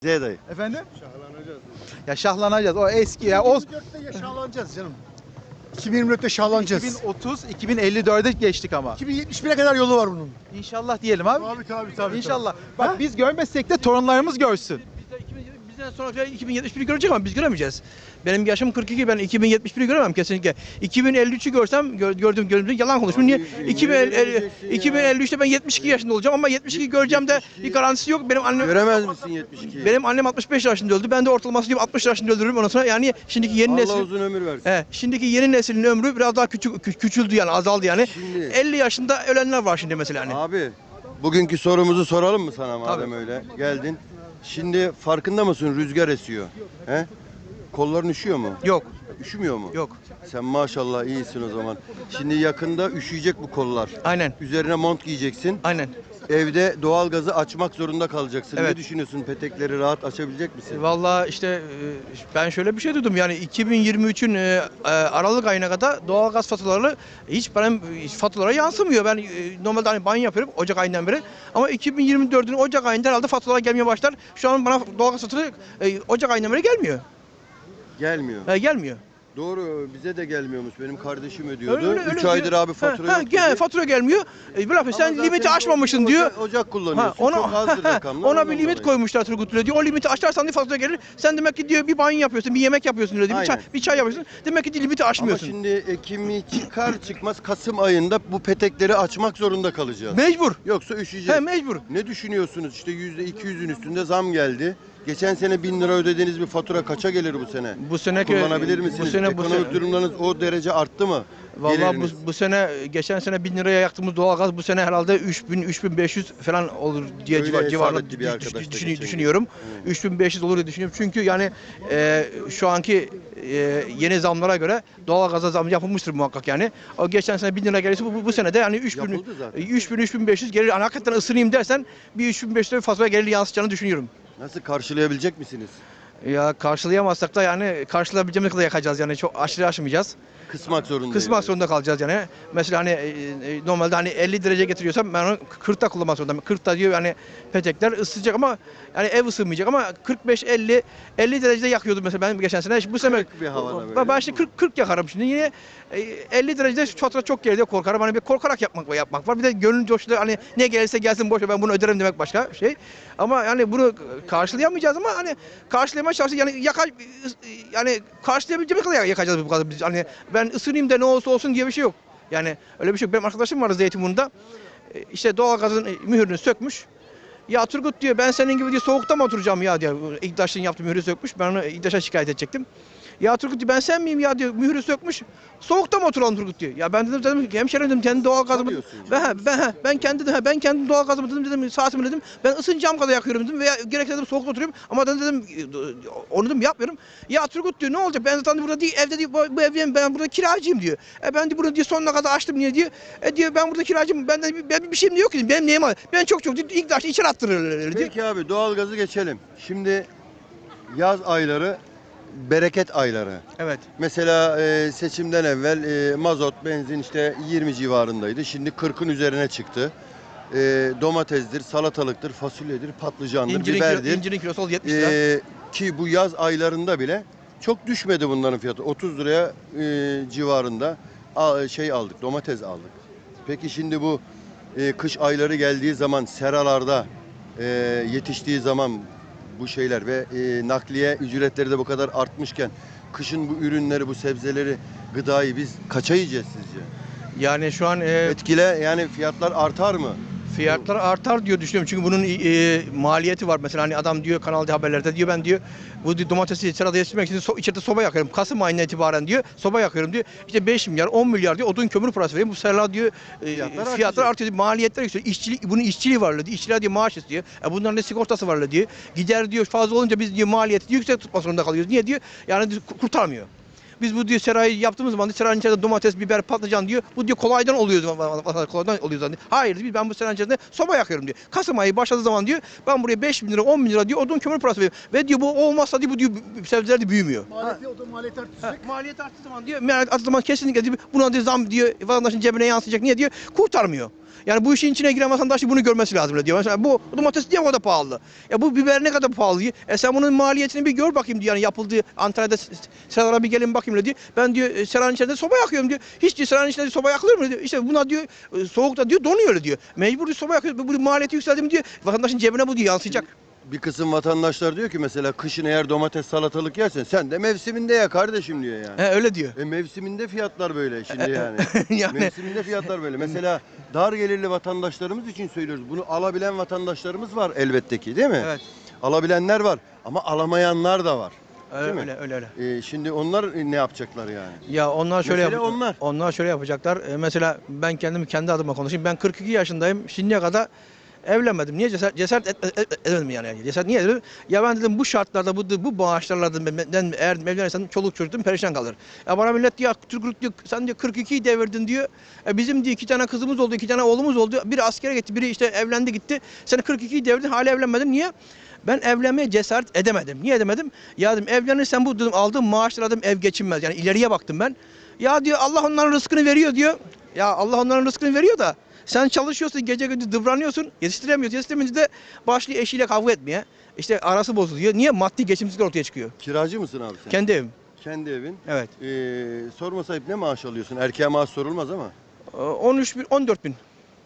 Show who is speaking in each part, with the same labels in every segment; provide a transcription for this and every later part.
Speaker 1: Z dayı.
Speaker 2: Efendim?
Speaker 3: Şahlanacağız.
Speaker 2: Ya şahlanacağız. O eski ya. O
Speaker 3: 2024'te yaşlanacağız canım. 2024'te şahlanacağız.
Speaker 2: 2030, 2054'e geçtik ama.
Speaker 3: 2071'e kadar yolu var bunun.
Speaker 2: İnşallah diyelim abi.
Speaker 3: Tabii.
Speaker 2: İnşallah. Bak biz görmezsek de torunlarımız görsün.
Speaker 4: Bizden sonra 2071'i görecek ama biz göremeyeceğiz. Benim yaşım 42, ben 2071'i göremem kesinlikle. 2053'ü görsem gördüğüm yalan konuşurum. Niye? 2053'te ben 72 yaşında olacağım ama 72 göreceğim de bir garantisi yok.
Speaker 1: Göremez misin 72'yi?
Speaker 4: Benim annem 65 yaşında öldü. Ben de ortalaması gibi 60 yaşında öldürürüm ondan sonra. Yani şimdiki yeni
Speaker 1: Allah
Speaker 4: nesil
Speaker 1: uzun ömür versin.
Speaker 4: şimdiki yeni neslin ömrü biraz daha küçüldü yani azaldı yani.
Speaker 1: Şimdi-
Speaker 4: 50 yaşında ölenler var şimdi mesela hani.
Speaker 1: Abi bugünkü sorumuzu soralım mı sana madem
Speaker 4: Tabii.
Speaker 1: öyle geldin. Şimdi farkında mısın rüzgar esiyor. He? Kolların üşüyor mu?
Speaker 4: Yok,
Speaker 1: Üşümüyor mu?
Speaker 4: yok.
Speaker 1: Sen maşallah iyisin o zaman. Şimdi yakında üşüyecek bu kollar.
Speaker 4: Aynen.
Speaker 1: Üzerine mont giyeceksin.
Speaker 4: Aynen.
Speaker 1: Evde doğalgazı açmak zorunda kalacaksın.
Speaker 4: Evet.
Speaker 1: Ne düşünüyorsun? Petekleri rahat açabilecek misin?
Speaker 4: Vallahi işte ben şöyle bir şey duydum yani 2023'ün Aralık ayına kadar doğalgaz faturaları hiç benim faturalara yansımıyor. Ben normalde hani banyo yapıyorum Ocak ayından beri ama 2024'ün Ocak ayında herhalde faturalar gelmeye başlar. Şu an bana doğalgaz faturası Ocak ayından beri gelmiyor.
Speaker 1: Gelmiyor.
Speaker 4: Gelmiyor.
Speaker 1: Doğru bize de gelmiyormuş. Benim kardeşim ödüyordu.
Speaker 4: Öyle,
Speaker 1: 3 aydır abi fatura yok dedi.
Speaker 4: Fatura gelmiyor. Bırak sen
Speaker 1: Ama
Speaker 4: limiti
Speaker 1: zaten
Speaker 4: aşmamışsın diyor.
Speaker 1: Ocak kullanıyorsun. Çok azdır rakamlar.
Speaker 4: Ona
Speaker 1: ondan
Speaker 4: bir limit
Speaker 1: dolayı.
Speaker 4: koymuşlar Turgut Bey diyor. O limiti aşarsan diye fatura gelir. Sen demek ki diyor bir banyo yapıyorsun, bir yemek yapıyorsun diyor.
Speaker 1: Aynen.
Speaker 4: Bir çay yapıyorsun. Demek ki limiti
Speaker 1: Ama
Speaker 4: aşmıyorsun.
Speaker 1: şimdi Ekim'i çıkar çıkmaz Kasım ayında bu petekleri açmak zorunda kalacağız.
Speaker 4: Mecbur.
Speaker 1: Yoksa üşüyeceğiz.
Speaker 4: Mecbur.
Speaker 1: Ne düşünüyorsunuz? İşte %200'ün üstünde zam geldi. Geçen sene 1000 lira ödediğiniz bir fatura kaça gelir bu sene?
Speaker 4: Bu sene
Speaker 1: Kullanabilir misiniz? Ekonomik durumlarınız o derece arttı mı?
Speaker 4: Vallahi
Speaker 1: Geliriniz.
Speaker 4: bu sene geçen sene 1000 liraya yaktığımız doğalgaz bu sene herhalde 3500 falan olur diye
Speaker 1: Öyle hesap
Speaker 4: civarında
Speaker 1: etti bir arkadaş da geçen gün.
Speaker 4: düşünüyorum. 3500 olur diye düşünüyorum. Çünkü yani şu anki yeni zamlara göre doğalgaza zam yapılmıştır muhakkak yani. O geçen sene 1000 lira gelirse bu sene de yani
Speaker 1: Yapıldı zaten.
Speaker 4: 3500 gelir. Yani hakikaten ısınayım dersen bir 3500 lira fatura gelir yansıtacağını düşünüyorum.
Speaker 1: Nasıl karşılayabilecek misiniz?
Speaker 4: Ya karşılayamazsak da yani karşılayabileceğimiz kadar yakacağız yani çok aşırı aşmayacağız.
Speaker 1: Kısmak zorundayız.
Speaker 4: Kısmak zorunda kalacağız yani. Mesela hani normalde hani 50 derece getiriyorsam ben onu 40'ta kullanmak zorundayım. 40'ta diyor yani petekler ısıtacak ama yani ev ısınmayacak ama 45-50 derecede yakıyordum mesela ben geçen sene. Bu sene
Speaker 1: bir havada böyle.
Speaker 4: ben işte 40 yakarım şimdi yine 50 derecede fatura çok geldi korkarım. Hani bir korkarak yapmak var. Bir de gönül coştu hani ne gelirse gelsin boş ver ben bunu öderim demek başka şey. Ama yani bunu karşılayamayacağız ama hani karşılamaya çalışacağız yani karşılayabileceğimiz kadar yakacağız bu kadar biz. Hani ben ısınayım da ne olursa olsun diye bir şey yok. Yani öyle bir şey yok. Benim arkadaşım vardı Zeytinburnu'nda. İşte doğalgazın mühürünü sökmüş. Ya Turgut diyor ben senin gibi diyor soğukta mı oturacağım ya diyor. İktaş'ın yaptığı mühürü sökmüş. Ben onu İktaş'a şikayet edecektim. Ya Turgut diyor ben sen miyim ya diyor mühürü sökmüş. Soğukta mı oturalım Turgut diyor. Ya ben dedim hemşerim dedim kendi doğalgazımı ben kendi doğalgazımı dedim saatimi dedim. Ben ısınacağım kadar yakıyorum dedim veya gerekirse dedim soğukta oturuyorum ama dedim onu dedim yapmıyorum. Ya Turgut diyor ne olacak ben zaten burada değil evde değil bu evde ben burada kiracıyım diyor. Ben de bunu diyor sonuna kadar açtım niye diyor. Diyor ben burada kiracıyım ben bir şeyim de yok ki benim neyim var. Ben çok diyor ilk başta içeri attırırlar diyor.
Speaker 1: Peki abi doğalgazı geçelim. Şimdi yaz ayları bereket ayları.
Speaker 4: Evet.
Speaker 1: Mesela seçimden evvel mazot, benzin işte 20 civarındaydı. Şimdi 40'ın üzerine çıktı. Domatesdir, salatalıktır, fasulyedir, patlıcandır, biberdir.
Speaker 4: İncirin kilosu 70 lira.
Speaker 1: Ki bu yaz aylarında bile çok düşmedi bunların fiyatı. 30 liraya civarında aldık, domates aldık. Peki şimdi bu kış ayları geldiği zaman seralarda yetiştiği zaman bu şeyler ve nakliye ücretleri de bu kadar artmışken kışın bu ürünleri, bu sebzeleri, gıdayı biz kaça yiyeceğiz sizce?
Speaker 4: Yani şu an
Speaker 1: Etkile yani fiyatlar artar mı?
Speaker 4: fiyatlar artar diyor düşünüyorum. Çünkü bunun maliyeti var. Mesela hani adam diyor kanalda haberlerde diyor ben diyor bu diyor, domatesi sırada yetiştirmek için içeride soba yakıyorum. Kasım ayından itibaren diyor soba yakıyorum diyor. İşte 5 milyar 10 milyar diyor odun kömür parası veriyorum. Bu sırada diyor fiyatlar artıyor diyor. Maliyetler yükseliyor. Bunun işçiliği var diyor. İşçiler diyor maaş istiyor. Bunların da sigortası var diyor. Gider diyor fazla olunca biz diyor maliyeti yüksek tutmak zorunda kalıyoruz. Niye diyor? Yani diyor, kurtarmıyor. Biz bu diyor serayı yaptığımız zaman serayın içerisinde domates, biber, patlıcan diyor. Bu diyor kolaydan oluyor diyor. Hayır diyor ben bu serayın içerisinde soba yakıyorum diyor. Kasım ayı başladığı zaman diyor ben buraya 5 bin lira 10 bin lira diyor odun kömür parası veriyorum. Ve diyor bu olmazsa diyor bu diyor sebzeler de büyümüyor.
Speaker 3: Maliyet artacak.
Speaker 4: Maliyet arttığı zaman diyor kesinlikle diyor, buna diyor zam diyor vatandaşın cebine yansıyacak. Niye diyor? Kurtarmıyor. Yani bu işin içine giren vatandaş bunu görmesi lazım diyor. Mesela bu domates niye o kadar pahalı? Ya bu biber ne kadar pahalı diyor. Sen bunun maliyetini bir gör bakayım diyor. Yani yapıldığı Antalya'da Serhan'a bir gelin bakayım diyor. Ben diyor Serhan'ın içerisinde soba yakıyorum diyor. Hiç diyor Serhan'ın içinde soba yakılır mı diyor. İşte buna diyor soğukta diyor donuyor diyor. Mecbur diyor, soba yakıyoruz. Bu maliyeti yükseldi mi diyor. Vatandaşın cebine bu diyor yansıyacak.
Speaker 1: Bir kısım vatandaşlar diyor ki mesela kışın eğer domates salatalık yersen sen de mevsiminde ya kardeşim diyor yani.
Speaker 4: Öyle diyor.
Speaker 1: Mevsiminde fiyatlar böyle şimdi yani.
Speaker 4: Yani-
Speaker 1: Mevsiminde fiyatlar böyle. Mesela dar gelirli vatandaşlarımız için söylüyoruz. Bunu alabilen vatandaşlarımız var elbette ki değil mi?
Speaker 4: Evet.
Speaker 1: Alabilenler var ama alamayanlar da var. Değil mi?
Speaker 4: Öyle.
Speaker 1: Şimdi onlar ne yapacaklar yani?
Speaker 4: Ya onlar şöyle
Speaker 1: Mesele onlar.
Speaker 4: Onlar şöyle yapacaklar. Mesela ben kendi adıma konuşayım. Ben 42 yaşındayım. Şimdiye kadar evlenmedim. Niye cesaret edemedim yani. Cesaret niye edemedim? Ya ben dedim bu şartlarda bu bağışlarla dedim ben eğer evlenirsem çoluk çocuğum perişan kalır. Ya bana millet diyor Türk diyor sen diyor 42'yi devirdin diyor. Bizim diyor 2 tane kızımız oldu, 2 tane oğlumuz oldu. Biri askere gitti, biri işte evlendi gitti. Sen 42'yi devirdin hala evlenmedin. Niye? Ben evlenmeye cesaret edemedim. Niye edemedim? Ya dedim evlenirsen bu dedim aldığım maaşla dedim ev geçinmez. Yani ileriye baktım ben. Ya diyor Allah onların rızkını veriyor diyor. Ya Allah onların rızkını veriyor da sen çalışıyorsun gece gündüz dıvranıyorsun yetiştiremiyorsun. Yetiştiremeyince de başlıyor eşiyle kavga etmeye. İşte arası bozuluyor. Niye? Maddi geçimsizlik ortaya çıkıyor.
Speaker 1: Kiracı mısın abi sen?
Speaker 4: Kendi evim.
Speaker 1: Kendi evin.
Speaker 4: Evet.
Speaker 1: Sorma sahip ne maaş alıyorsun? Erkeğe maaş sorulmaz ama.
Speaker 4: 13 bin, 14 bin.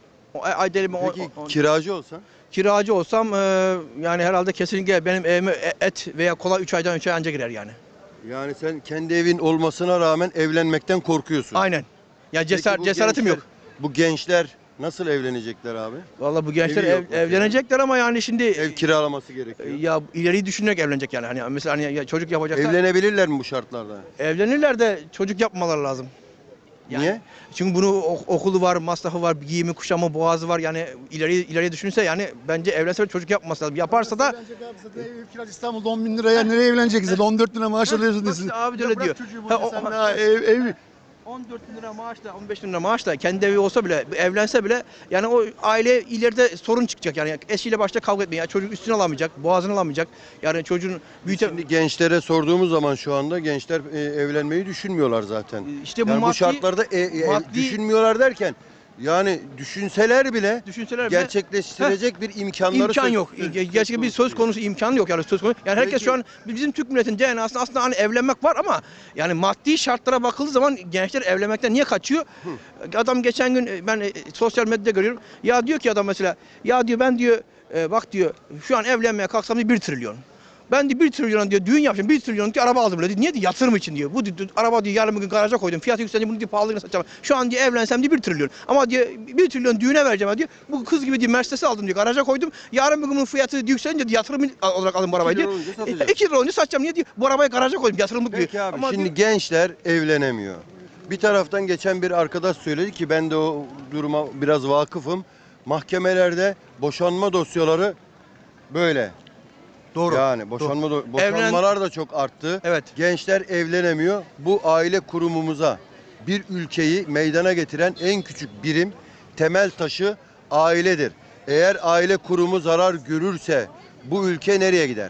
Speaker 4: Ay delimi
Speaker 1: Peki kiracı olsan?
Speaker 4: kiracı olsam yani herhalde kesinlikle benim evime et veya kola 3 aydan 3 ay anca girer yani.
Speaker 1: Yani sen kendi evin olmasına rağmen evlenmekten korkuyorsun.
Speaker 4: Aynen. Ya
Speaker 1: Peki bu
Speaker 4: cesaretim
Speaker 1: gençler-
Speaker 4: yok.
Speaker 1: Bu gençler nasıl evlenecekler abi?
Speaker 4: Vallahi bu gençler
Speaker 1: Evi yok mesela.
Speaker 4: evlenecekler ama yani şimdi
Speaker 1: Ev kiralaması gerekiyor.
Speaker 4: ya ileriyi düşünerek evlenecek yani. Hani mesela hani ya çocuk yapacaklar.
Speaker 1: Evlenebilirler mi bu şartlarda?
Speaker 4: Evlenirler de çocuk yapmaları lazım. Yani,
Speaker 1: Niye?
Speaker 4: Çünkü bunu okulu var, masrafı var, giyimi, kuşamı, boğazı var. Yani ileriye düşünürse yani bence evlense çocuk yapması lazım. Yaparsa da
Speaker 3: Evlenecek abi zaten ev kirası İstanbul'da 10 bin liraya nereye evleneceksin? 14 lira maaş alıyorsun desin.
Speaker 4: işte abi de öyle diyor.
Speaker 3: Çocuğu
Speaker 4: Ha,
Speaker 3: burada sen daha ev
Speaker 4: 14 bin lira maaşla, 15 bin lira maaşla kendi evi olsa bile, evlense bile yani o aile ileride sorun çıkacak. Yani eşiyle başta kavga etmeye, yani çocuk üstüne alamayacak, boğazını alamayacak. Yani çocuğun
Speaker 1: Şimdi gençlere sorduğumuz zaman şu anda gençler evlenmeyi düşünmüyorlar zaten.
Speaker 4: İşte bu
Speaker 1: Yani bu
Speaker 4: maddi-
Speaker 1: şartlarda
Speaker 4: maddi-
Speaker 1: düşünmüyorlar derken yani düşünseler bile
Speaker 4: düşünseler bile
Speaker 1: gerçekleştirecek bir imkanları
Speaker 4: imkan yok. Gerçekten bir söz
Speaker 1: değil.
Speaker 4: konusu imkanı yok yani söz konusu. Yani herkes
Speaker 1: Peki.
Speaker 4: şu an bizim Türk milletinin DNA'sında aslında hani evlenmek var ama yani maddi şartlara bakıldığı zaman gençler evlenmekten niye kaçıyor? Adam geçen gün ben sosyal medyada görüyorum. Ya diyor ki adam mesela ya diyor ben diyor bak diyor şu an evlenmeye kalksam diyor 1 trilyon. Ben de 1 trilyon diyor düğün yapacağım 1 trilyon diyor araba aldım diyor. Niye diyor yatırım için diyor. Bu diyor, araba diyor yarın bir gün garaja koydum. Fiyatı yükselince bunu diyor pahalılığına satacağım. Şu an diyor evlensem diyor 1 trilyon. Ama diyor 1 trilyon düğüne vereceğim diyor. Bu kız gibi diyor Mercedes'i aldım diyor garaja koydum. Yarın bir gün bunun fiyatı yükselince diyor, yatırım olarak aldım bu arabayı
Speaker 1: 2
Speaker 4: diyor.
Speaker 1: lira olunca satacağım.
Speaker 4: 2 lira olunca satacağım niye diyor. Bu arabayı garaja koydum yatırımlık diyor.
Speaker 1: Peki abi
Speaker 4: Ama
Speaker 1: şimdi
Speaker 4: diyor,
Speaker 1: gençler evlenemiyor. Bir taraftan geçen bir arkadaş söyledi ki ben de o duruma biraz vakıfım. Mahkemelerde boşanma dosyaları böyle.
Speaker 4: doğru.
Speaker 1: Yani boşanmalar da çok arttı.
Speaker 4: Evet.
Speaker 1: Gençler evlenemiyor. Bu aile kurumumuza bir ülkeyi meydana getiren en küçük birim, temel taşı ailedir. Eğer aile kurumu zarar görürse bu ülke nereye gider?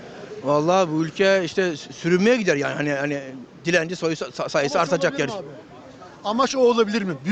Speaker 4: Vallahi bu ülke işte sürünmeye gider yani hani dilenci sayısı artacak yer.
Speaker 3: Amaç o olabilir mi?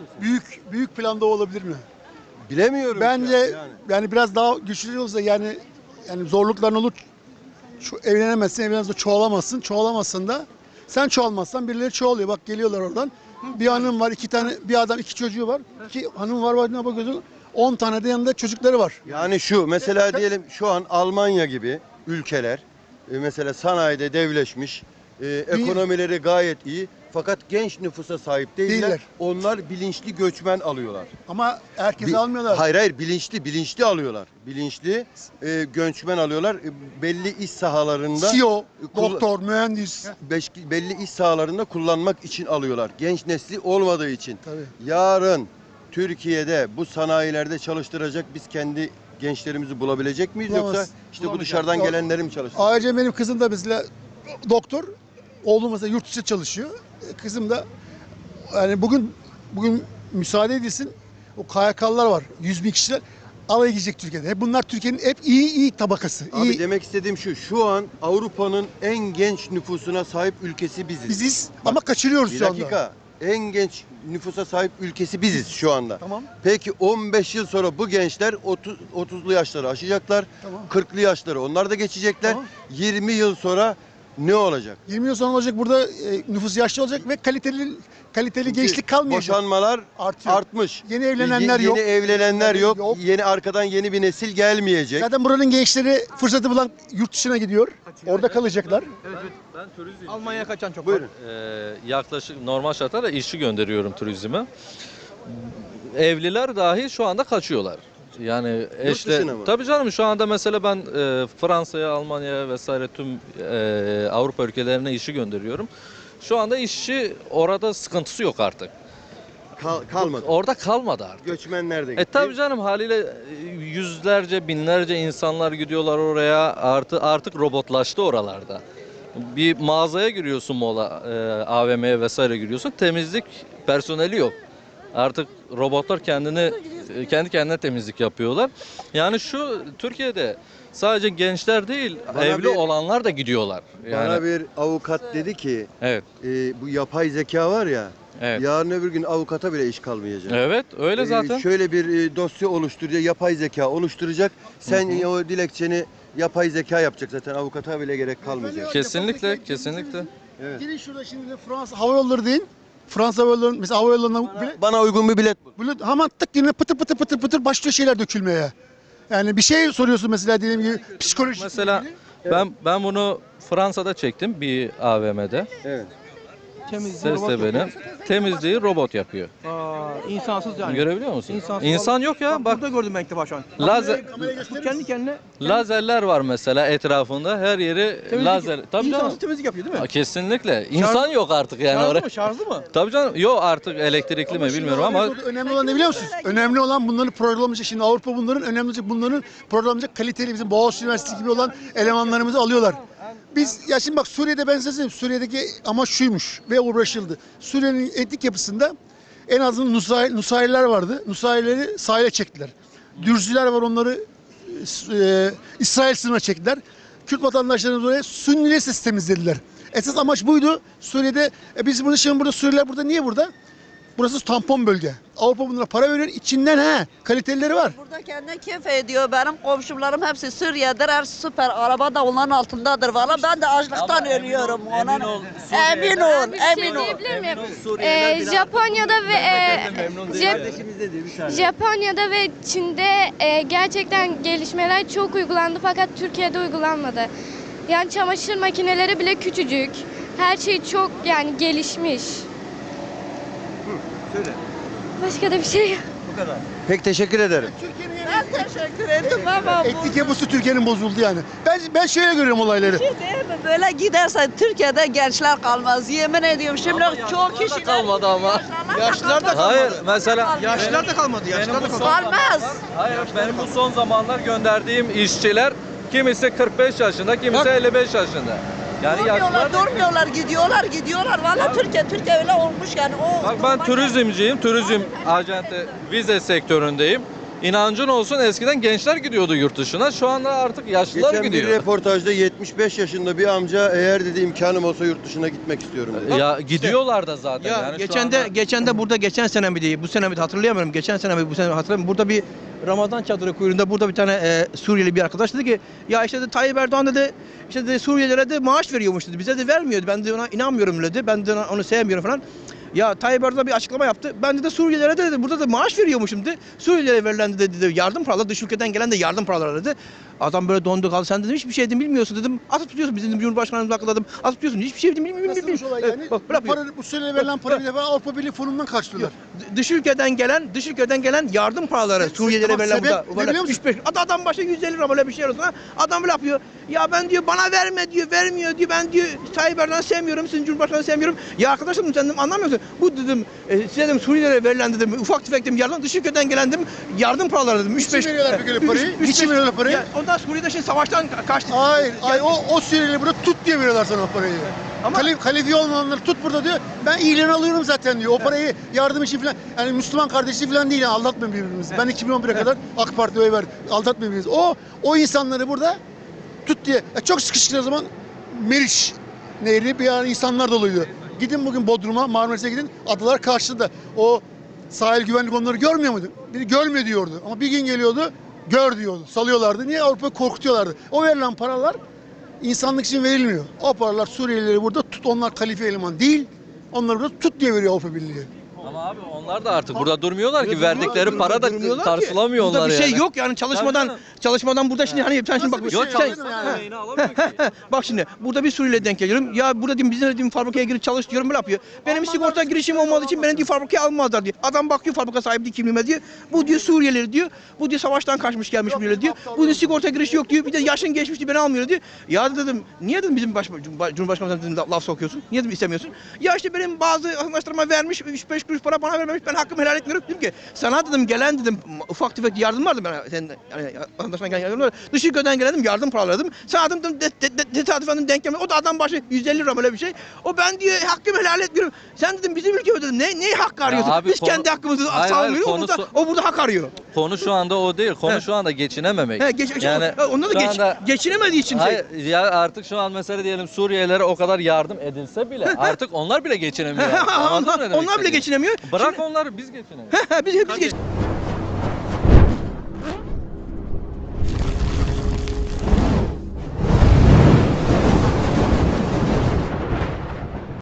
Speaker 3: Büyük planda o olabilir mi?
Speaker 1: Bilemiyorum.
Speaker 3: Bence
Speaker 1: yani.
Speaker 3: yani biraz daha güçlü olsa yani zorlukların olur. Evlenemezsin, evlenemezsin, çoğalamazsın. Çoğalamazsın da sen çoğalmazsan birileri çoğalıyor. Bak geliyorlar oradan. Bir hanım var, 2 tane, bir adam 2 çocuğu var. 2 hanım var ne bakıyorsun? 10 tane de yanında çocukları var.
Speaker 1: Yani şu mesela diyelim şu an Almanya gibi ülkeler mesela sanayide devleşmiş, ekonomileri gayet iyi fakat genç nüfusa sahip değiller. Onlar bilinçli göçmen alıyorlar.
Speaker 3: Ama herkesi almıyorlar.
Speaker 1: Hayır bilinçli alıyorlar. Bilinçli göçmen alıyorlar. Belli iş sahalarında
Speaker 3: CEO, doktor, mühendis.
Speaker 1: belli iş sahalarında kullanmak için alıyorlar. Genç nesli olmadığı için.
Speaker 3: Tabii.
Speaker 1: Yarın Türkiye'de bu sanayilerde çalıştıracak biz kendi gençlerimizi bulabilecek miyiz
Speaker 3: Bulamaz.
Speaker 1: yoksa işte bu
Speaker 3: Bulamayacağız.
Speaker 1: dışarıdan
Speaker 3: Yok.
Speaker 1: gelenleri mi çalıştıracak?
Speaker 3: Ayrıca benim kızım da mesela doktor. Oğlum mesela yurt dışı çalışıyor. Kızım da yani bugün müsaade edilsin. O KYK'lılar var. 100 bin kişiler alay gidecek Türkiye'de. Hep bunlar Türkiye'nin hep iyi tabakası.
Speaker 1: Abi
Speaker 3: iyi.
Speaker 1: demek istediğim şu an Avrupa'nın en genç nüfusuna sahip ülkesi biziz.
Speaker 3: Biziz
Speaker 1: Bak,
Speaker 3: ama kaçırıyoruz
Speaker 1: Bir
Speaker 3: şu anda.
Speaker 1: dakika. en genç nüfusa sahip ülkesi biziz şu anda.
Speaker 3: Tamam.
Speaker 1: Peki 15 yıl sonra bu gençler 30'lu yaşları aşacaklar.
Speaker 3: Tamam.
Speaker 1: 40'lı yaşları onlar da geçecekler.
Speaker 3: Tamam.
Speaker 1: 20 yıl sonra ne olacak?
Speaker 3: 20 yıl sonra olacak burada nüfus yaşlı olacak ve kaliteli gençlik kalmayacak.
Speaker 1: Boşanmalar
Speaker 3: Artıyor.
Speaker 1: artmış.
Speaker 3: Yeni evlenenler yok.
Speaker 1: Yeni evlenenler yok.
Speaker 3: Yok.
Speaker 1: Yeni arkadan yeni bir nesil gelmeyecek.
Speaker 3: Zaten buranın gençleri fırsatı bulan yurt dışına gidiyor. Orada kalacaklar.
Speaker 5: Ben turizm.
Speaker 4: Almanya'ya kaçan çok
Speaker 1: Buyurun.
Speaker 5: Yaklaşık normal şartlarda işçi gönderiyorum turizme. Evliler dahi şu anda kaçıyorlar. Yani eşle
Speaker 1: dışına mı?
Speaker 5: tabii canım şu anda mesela ben Fransa'ya, Almanya'ya vesaire tüm Avrupa ülkelerine işi gönderiyorum. Şu anda işçi orada sıkıntısı yok artık.
Speaker 1: Kalmadı.
Speaker 5: Orada kalmadı artık.
Speaker 1: Göçmenler de gitti.
Speaker 5: Tabii canım haliyle yüzlerce, binlerce insanlar gidiyorlar oraya. Artık robotlaştı oralarda. Bir mağazaya giriyorsun AVM'ye vesaire giriyorsun. Temizlik personeli yok. Artık robotlar kendi kendine temizlik yapıyorlar. Yani şu Türkiye'de sadece gençler değil,
Speaker 1: Bana
Speaker 5: evli
Speaker 1: bir-
Speaker 5: olanlar da gidiyorlar. Yani
Speaker 1: Bana bir avukat dedi ki
Speaker 5: evet.
Speaker 1: bu yapay zeka var ya
Speaker 5: Evet.
Speaker 1: yarın öbür gün avukata bile iş kalmayacak.
Speaker 5: Evet, öyle zaten.
Speaker 1: Şöyle bir dosya oluşturacak, yapay zeka oluşturacak. Sen o dilekçeni yapay zeka yapacak zaten avukata bile gerek kalmayacak.
Speaker 5: Kesinlikle, kesinlikle.
Speaker 1: Evet.
Speaker 3: Gelin şurada şimdi de Fransa Hava Yolları deyin. Fransa Hava Yolları mesela hava yollarına bile
Speaker 1: Bana uygun bir bilet bul.
Speaker 3: böyle hemen tık yine pıtır pıtır pıtır pıtır başlıyor şeyler dökülmeye. Yani bir şey soruyorsun mesela diyelim gibi psikolojik.
Speaker 5: Mesela ben bunu Fransa'da çektim bir AVM'de.
Speaker 1: Evet.
Speaker 5: Sesle benim. Temizliği robot yapıyor.
Speaker 4: İnsansız yani.
Speaker 5: Görebiliyor musun?
Speaker 4: İnsansız.
Speaker 5: İnsan yok ya. Bak
Speaker 4: Burada gördüm ben ilk defa şu an. Bu kendi kendine
Speaker 5: lazerler var mesela etrafında. Her yeri lazer. Tabii canım.
Speaker 4: insansız temizlik yapıyor değil mi?
Speaker 5: Kesinlikle. İnsan yok artık yani
Speaker 4: Şarjlı
Speaker 5: oraya.
Speaker 4: mı? Şarjlı mı?
Speaker 5: Tabii canım. Yok artık elektrikli mi bilmiyorum ama
Speaker 3: Önemli olan ne biliyor musunuz? Önemli olan bunların programlayacak. Şimdi Avrupa bunların programlayacak kaliteli bizim Boğaziçi Üniversitesi gibi olan elemanlarımızı alıyorlar. Biz ya şimdi bak Suriye'de ben size söyleyeyim. Suriye'deki amaç şuymuş ve uğraşıldı. Suriye'nin etnik yapısında en azından Nusayriler vardı. Nusayrileri sahile çektiler. Dürzüler var onları İsrail sınırına çektiler. Kürt vatandaşlarımız oraya Sünnileri temizlediler. Esas amaç buydu. Suriye'de biz burada şimdi burada Suriyeliler burada niye burada? Burası tampon bölge. Avrupa bunlara para veriyor. İçinden kalitelileri var.
Speaker 6: Burada kendine keyif ediyor. Benim komşularım hepsi Suriye'dir. Süper. Araba da onların altındadır. Valla ben de açlıktan ölüyorum. Emin ol. Emin ol. Emin ol.
Speaker 7: Diyebilir miyim? Japonya'da ve Japonya'da ve Çin'de gerçekten gelişmeler çok uygulandı fakat Türkiye'de uygulanmadı. Yani çamaşır makineleri bile küçücük. Her şey çok yani gelişmiş.
Speaker 1: Söyle.
Speaker 7: Başka da bir şey yok.
Speaker 1: Pek teşekkür ederim.
Speaker 6: Ben teşekkür ettim ama bu
Speaker 3: Etnik yapısı Türkiye'nin bozuldu yani. Ben şöyle görüyorum olayları.
Speaker 6: şey değil mi? Böyle giderse Türkiye'de gençler kalmaz. Yemin ediyorum şimdi çok kişi
Speaker 5: kalmadı ama.
Speaker 4: Yaşlılar da kalmadı.
Speaker 5: Hayır mesela
Speaker 4: Yaşlılar da kalmadı. Yaşlılar da kalmadı.
Speaker 6: kalmaz.
Speaker 5: Hayır benim bu son zamanlar gönderdiğim işçiler kimisi 45 yaşında, kimisi 55 yaşında. Yani yaşlılar
Speaker 6: Durmuyorlar, gidiyorlar. Valla Türkiye öyle olmuş yani.
Speaker 5: Bak ben turizmciyim, turizm acente, vize sektöründeyim. İnancın olsun eskiden gençler gidiyordu yurt dışına. Şu anda artık yaşlılar
Speaker 1: Geçen bir
Speaker 5: gidiyor.
Speaker 1: reportajda 75 yaşında bir amca eğer dedi imkanım olsa yurt dışına gitmek istiyorum dedi.
Speaker 5: Ya gidiyorlar da zaten.
Speaker 4: Ya
Speaker 5: yani şu
Speaker 4: geçen de burada geçen sene mi değil, bu sene mi hatırlayamıyorum. Geçen sene mi bu sene mi hatırlamıyorum. Burada bir Ramazan çadırı kuyruğunda burada bir tane Suriyeli bir arkadaş dedi ki ya işte de Tayyip Erdoğan dedi işte de Suriyelilere de maaş veriyormuş dedi. Bize de vermiyordu. Ben de ona inanmıyorum dedi. Ben de onu sevmiyorum falan. Ya Tayyip Erdoğan bir açıklama yaptı. Ben de Suriyelilere de dedi burada da maaş veriyormuşum dedi. Suriyelilere verilen dedi yardım paraları dış ülkeden gelen de yardım paraları dedi. Adam böyle dondu kaldı. Sen dedim hiçbir şey dedim bilmiyorsun dedim. Atıp tutuyorsun bizim Cumhurbaşkanımızı akılladım. Atıp tutuyorsun hiçbir şey bilmiyorum.
Speaker 3: Nasılmış olay yani?
Speaker 4: Bak,
Speaker 3: Bu Suriye'ye verilen para bir defa Avrupa Birliği fonundan karşılıyorlar.
Speaker 4: Dış ülkeden gelen yardım paraları Suriyelilere
Speaker 3: tamam,
Speaker 4: verilen
Speaker 3: sebep
Speaker 4: burada.
Speaker 3: ne
Speaker 4: Böyle
Speaker 3: biliyor musun?
Speaker 4: 3-5 adam başı 150 lira böyle bir şey olsun. Adam böyle yapıyor. Ya ben diyor bana verme diyor, vermiyor diyor. Ben diyor Tayyip Erdoğan'ı sevmiyorum, sizin Cumhurbaşkanı'nı sevmiyorum. Ya arkadaşım sen dedim anlamıyorsun. Bu dedim size dedim Suriyelilere verilen dedim ufak tefek dedim yardım dış ülkeden gelen dedim yardım paraları dedim. 3-5
Speaker 3: Niçin veriyorlar peki öyle parayı? Niçin veriyorlar parayı?
Speaker 4: Ya ondan Suriye'de şimdi savaştan kaçtı.
Speaker 3: Hayır, o Suriyeli burada tut diye veriyorlar sana o parayı.
Speaker 4: Ama-
Speaker 3: Kalifi olmayanları tut burada diyor. Ben ilan alıyorum zaten diyor. O parayı yardım için falan, yani Müslüman kardeşi falan değil yani aldatmayın birbirimizi. Ben 2011'e kadar AK Parti'ye oy verdim. Aldatmayın birbirimizi. O insanları burada tut diye. Çok sıkışık o zaman Meriç Nehri bir an insanlar doluydu. Gidin bugün Bodrum'a, Marmaris'e gidin. Adalar karşıda. O sahil güvenlik onları görmüyor muydu? Biri görme diyordu. Ama bir gün geliyordu, gör diyordu. Salıyorlardı. Niye? Avrupa'yı korkutuyorlardı. O verilen paralar insanlık için verilmiyor. O paralar Suriyelileri burada tut. Onlar kalife eleman değil. Onları burada tut diye veriyor Avrupa Birliği.
Speaker 5: Ama abi onlar da artık burada durmuyorlar ki.
Speaker 4: Burada
Speaker 5: Verdikleri para da
Speaker 4: durmuyorlar ki.
Speaker 5: karşılamıyor
Speaker 4: Burada
Speaker 5: onlar
Speaker 4: bir şey
Speaker 5: yani.
Speaker 4: yok yani çalışmadan burada şimdi hani sen şimdi bak
Speaker 5: Yok
Speaker 3: Şey
Speaker 5: çalışma
Speaker 3: yani.
Speaker 5: yemeğini alamıyor ki.
Speaker 4: bak şimdi burada bir Suriyeli denk geliyorum. Ya burada diyeyim bizim dediğim fabrikaya girip çalış diyorum, böyle yapıyor. Benim sigorta girişim olmadığı için beni diyor fabrikaya almazlar diyor. Adam bakıyor fabrika sahibi diyor kimliğime diyor. Bu diyor Suriyeli diyor. Bu diyor savaştan kaçmış gelmiş biri diyor. Bu diyor sigorta girişi yok diyor. Bir de yaşın geçmiş diyor, beni almıyor diyor. Ya dedim niye dedim bizim Cumhurbaşkanımıza dedim laf sokuyorsun? Niye dedim istemiyorsun? Ya işte benim bazı arkadaşlarıma vermiş 3-5 kuruş para bana vermemiş, ben hakkımı helal etmiyorum. Dedim ki sana dedim gelen dedim ufak tefek yardım vardı ben senin yani vatandaştan gelen yardım vardı. Dış ülkeden gelen dedim yardım paraları dedim. Sana dedim tesadüfen denk gelmedi. O da adam başı 150 lira böyle bir şey. O ben diye hakkımı helal etmiyorum. Sen dedim bizim ülkede dedim ne hakkı arıyorsun?
Speaker 5: abi
Speaker 4: Biz
Speaker 5: konu-
Speaker 4: kendi hakkımızı
Speaker 5: Hayır,
Speaker 4: savunmuyoruz.
Speaker 5: konusu-
Speaker 4: O burada hak arıyor.
Speaker 5: Konu şu anda o değil. Konu şu anda geçinememek.
Speaker 4: Onda da
Speaker 5: şu anda-
Speaker 4: geçinemediği için şey.
Speaker 5: Hayır, ya artık şu an mesela diyelim Suriyelilere o kadar yardım edilse bile artık onlar bile geçinemiyor. Anladın mı ne demek
Speaker 4: Onlar bile
Speaker 5: istediğimi?
Speaker 4: geçinemiyor.
Speaker 5: Bırak onları biz geçinelim.
Speaker 4: Biz geç.